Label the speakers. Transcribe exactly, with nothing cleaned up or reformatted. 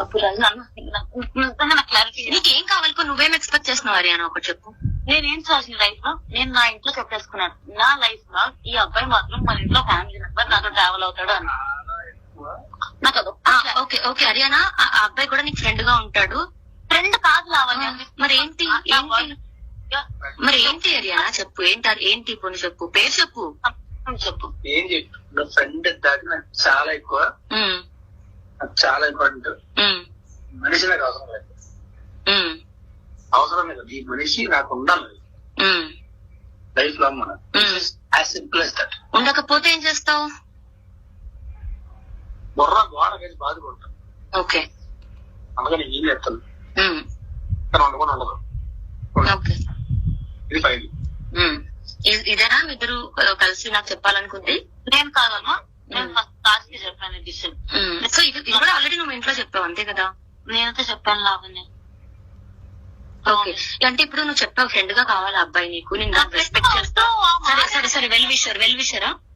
Speaker 1: చెప్పు రాజు. నాకు క్లారిటీ. నీకేం కావాలి? నువ్వేం ఎక్స్పెక్ట్ చేస్తున్నావు హరియానా? ఒకటి చెప్పు. నేనేం చేసిన లైఫ్ లో నేను నా ఇంట్లో చెప్పేసుకున్నాను. నా లైఫ్ లో ఈ అబ్బాయి మాత్రం మన ఇంట్లో ఫ్యామిలీ మెంబర్ నాతో ట్రావెల్ అవుతాడు అని. నాకు అదో ఓకే ఓకే హరియానా, ఆ అబ్బాయి కూడా నీకు ఫ్రెండ్ గా ఉంటాడు. ఫ్రెండ్ కాదు లావణ్య. మరి ఏంటి ఏంటి మరి ఏంటి హరియానా? చెప్పు ఏంటి ఏంటి ఇప్పుడు చెప్పు, పేరు చెప్పు చెప్పు.
Speaker 2: ఏం చెప్పు, ఫ్రెండ్ దాకా నాకు చాలా ఎక్కువ, నాకు చాలా ఇంపార్టెంట్. మనిషి నాకు అవసరం లేదు, అవసరం లేదు. ఈ మనిషి నాకు ఉండాలి లైఫ్ లాంగ్. మనం యాజ్ సింపుల్ యాజ్ దట్.
Speaker 1: ఉండకపోతే ఏం చేస్తావు?
Speaker 2: బుర్ర గోడ వేసి బాధపడతాం.
Speaker 1: ఓకే,
Speaker 2: అందుకని ఏం చెప్తాను, కానీ ఉండకుండా ఉండదు. ఇది ఫైన్.
Speaker 1: ఇదేనా ఇద్దరు కలిసి నాకు చెప్పాలనుకుంది? నేను కాదమ్మా, నేను ఫస్ట్ క్లాస్ కి చెప్పాను డిసిషన్. సో ఇది ఇది కూడా ఆల్రెడీ నువ్వు ఇంట్లో చెప్పావు అంతే కదా? నేనైతే చెప్పాను లావణ్య. ఓకే, అంటే ఇప్పుడు నువ్వు చెప్పావు ఫ్రెండ్ గా కావాలి అబ్బాయి నీకు, నేను రెస్పెక్ట్ చేస్తా. సరే సరే సరే వెల్ విషర్ వెల్ విషరా